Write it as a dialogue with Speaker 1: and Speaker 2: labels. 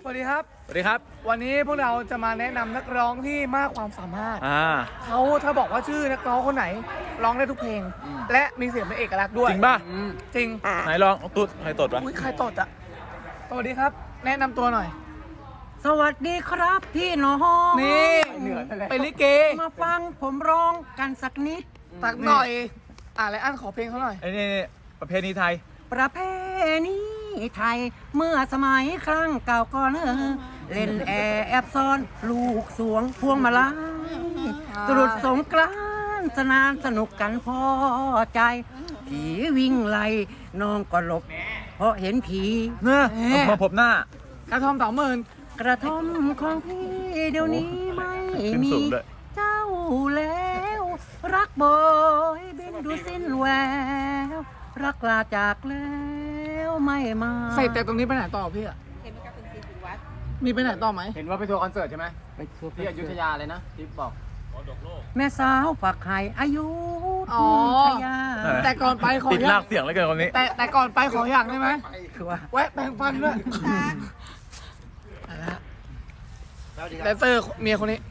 Speaker 1: วัสดีครับ
Speaker 2: สวัสดีครับ
Speaker 1: วันนี้พวกเราจะมาแนะนำนักร้องที่มากความสามารถเขาถ้าบอกว่าชื่อนักร้องคนไหนร้องได้ทุกเพลง และมีเสียงเป็นเอกลักษณ์ด้วย
Speaker 2: จริงป่ะ
Speaker 1: จริง
Speaker 2: ไหนลองตุ๊ดใครตดวะ
Speaker 1: อุ้ยใครตดอ่ะสวัสดีครับ แนะนำตัวหน่อย
Speaker 3: สวัสดีครับพี่น้อง
Speaker 1: นี่เป็นลิเก
Speaker 3: มาฟังผมร้องกันสักนิด
Speaker 1: ตักหน่อยไรอันขอเพลงเขาหน่อย
Speaker 2: ไอ้นี่ประเพณีไทย
Speaker 3: ประเพณีไทยเมื่อสมัยครั้งเก่าก่อนเล่นแอบซ้อนลูกสวงพวงมาลัยตรุษสงกรานต์สนานสนุกกันพอใจ ผีวิ่งไล่น้องก็หลบ เพราะเห็นผี
Speaker 2: เนอะมาพบหน้า
Speaker 1: กระทอม20,000
Speaker 3: กระท่อมของพี่เดี๋ยวนี้ไม่
Speaker 2: ขึ้น
Speaker 3: มี
Speaker 2: สูงด้วย
Speaker 3: เจ้าแล้ว รักบ่อยบินดูสิ้นแววรักลาจากแล้วไม่มา
Speaker 1: ใส่แต่ตรงนี้ไปไหนต่อพี่อ่ะมีไปไหนต่อไหม
Speaker 4: เห็นว่าไปทัวร์คอนเสิร์ตใช่ไหม
Speaker 3: ไปทัวร์
Speaker 4: ที่อยุธยาเลยนะที่บอก
Speaker 3: แม่สาวปักไข่อายุ
Speaker 1: อ๋อ
Speaker 3: ทยา
Speaker 1: แต่ก่อนไปขอ
Speaker 2: ติด
Speaker 1: อ
Speaker 2: ลา
Speaker 1: ย่าก ง
Speaker 2: เสียงแล้วเกินคนนี้
Speaker 1: แต่ก่อนไปขออย่างได้ไหม
Speaker 3: คือว่า
Speaker 1: แวะแปรงฟันด้วยแดนเซอร์เมียคนนี้